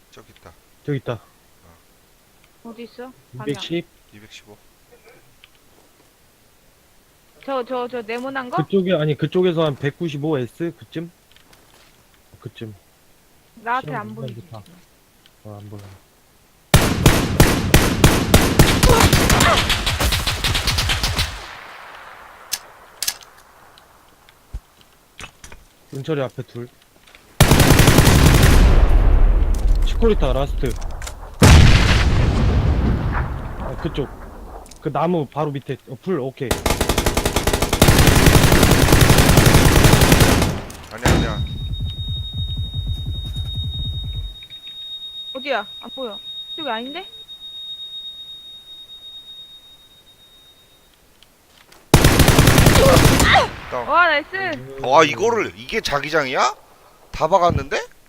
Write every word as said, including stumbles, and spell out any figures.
저기 있다. 저기 있다. 어디 있어? 이백십. 이백십오. 저 저 저 네모난 거? 그쪽에, 아니, 그쪽에서 한 백구십오 에스? 그쯤? 그쯤. 나한테 시험 안 보이지. 좋다. 어, 안 보여. 은철이 앞에 둘. 치코리타 라스트. 아, 그쪽. 그 나무 바로 밑에. 어, 풀, 오케이. 아니야 아니야. 어디야? 안 보여. 이쪽이 아닌데? 다운. 와 나이스. 와 이거를 이게 자기장이야? 다 박았는데?